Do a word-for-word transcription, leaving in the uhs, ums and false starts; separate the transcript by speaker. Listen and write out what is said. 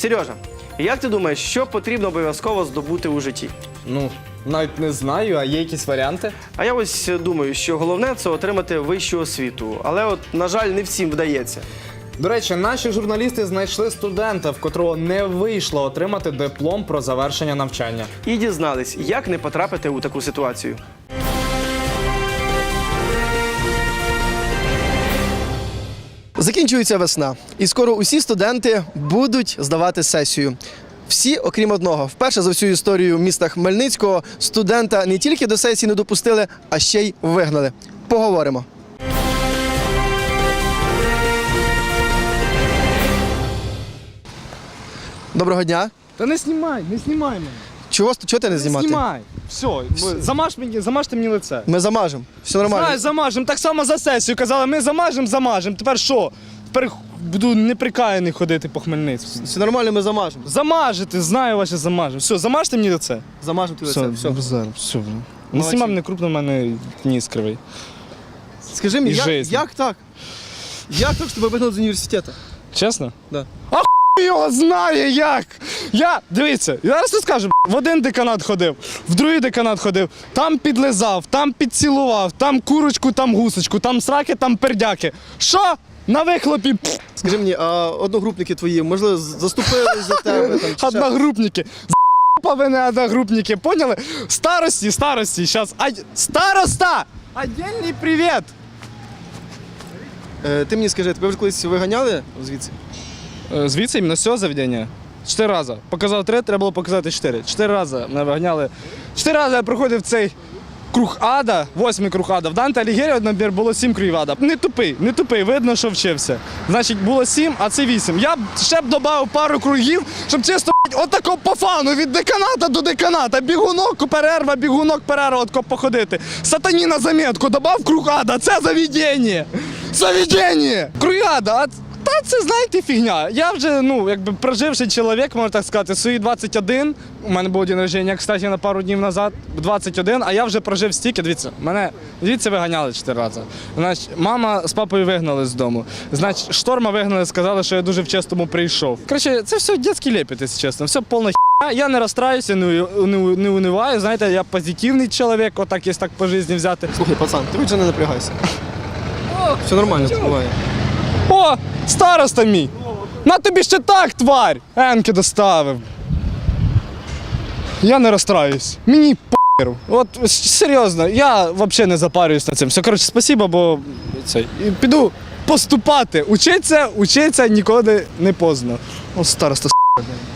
Speaker 1: Сережа, як ти думаєш, що потрібно обов'язково здобути у житті?
Speaker 2: Ну, навіть не знаю, а є якісь варіанти?
Speaker 1: А я ось думаю, що головне – це отримати вищу освіту. Але от, на жаль, не всім вдається.
Speaker 2: До речі, наші журналісти знайшли студента, в котрого не вийшло отримати диплом про завершення навчання.
Speaker 1: І дізнались, як не потрапити у таку ситуацію. Закінчується весна, і скоро усі студенти будуть здавати сесію. Всі, окрім одного. Вперше за всю історію міста Хмельницького студента не тільки до сесії не допустили, а ще й вигнали. Поговоримо. Доброго дня.
Speaker 3: Та не знімай, не знімай мене.
Speaker 1: Чого, чого ти не
Speaker 3: Не
Speaker 1: знімати?
Speaker 3: знімай. Все, замаж мені, замажте мені лице.
Speaker 1: Ми замажемо. Все нормально.
Speaker 3: Знаєш, замажемо. Так само за сесію казали, ми замажемо, замажемо. Тепер що? Тепер буду неприкаяний ходити по Хмельницькому.
Speaker 1: Все нормально, ми замажемо.
Speaker 3: Замажете, знаю ваше замажемо. Все, замажте мені лице.
Speaker 1: Замажемо ти лице. Все.
Speaker 3: Зараз, все. Не
Speaker 1: Молодці.
Speaker 3: знімай мене крупно, в мене ніс кривий.
Speaker 1: Скажи мені,
Speaker 3: І
Speaker 1: як,
Speaker 3: жизнь.
Speaker 1: як так? Як так, що тебе вигнали з університету?
Speaker 3: Чесно?
Speaker 1: Да.
Speaker 3: А хуй його знає як! Я, дивіться, я зараз розкажу, в один деканат ходив, в другий деканат ходив, там підлизав, там підцілував, там курочку, там гусочку, там сраки, там пердяки. Що? На вихлопі пф,
Speaker 1: Скажи мені, а одногрупники твої, можливо, заступили за тебе? Там, чи ще?
Speaker 3: одногрупники. З***павини одногрупники, поняли? Старості, старості, зараз. А... Староста! Отдельний привіт!
Speaker 1: Е, ти мені скажи, тебе вже колись виганяли звідси?
Speaker 3: Звідси іменно з цього заведення? Чотири рази. Показав три, треба було показати чотири. Чотири рази мене виганяли. Чотири рази я проходив цей круг ада, восьмий круг ада. В Данте Алігєрі, набір, було сім кругів ада. Не тупий, не тупий, видно, що вчився. Значить, було сім, а це вісім. Я б ще б додав пару кругів, щоб чисто отако по фану, від деканата до деканата. Бігунок, перерва, бігунок, перерва, отко походити. Сатані на замітку, додав круг ада, це заведення. Заведення! Круг ада, а та це, знаєте, фігня. Я вже, ну, якби проживший чоловік, можна так сказати, свої двадцять один. У мене був день народження, кстати, на пару днів назад, двадцять один, а я вже прожив стільки. Дивіться, мене звідси виганяли чотири рази. Значить, мама з папою вигнали з дому. Значить, шторма вигнали, сказали, що я дуже вчасному прийшов. Коротше, це все дитячий лепет, якщо чесно. Все повна хіня. Я не розстраюся, не, не, не униваю. Знаєте, я позитивний чоловік, отак, є так по житті взяти.
Speaker 1: Слухай, пацан, ти вже не напрягайся. Все нормально, буває.
Speaker 3: О, староста мій! На тобі ще так, тварь! Енки доставив. Я не розстраюсь. Мені похеру. От серйозно, я взагалі не запарююсь на цим. Все, коротше, спасибо, бо цей. І піду поступати. Учиться, учиться ніколи не поздно. О, староста, с***.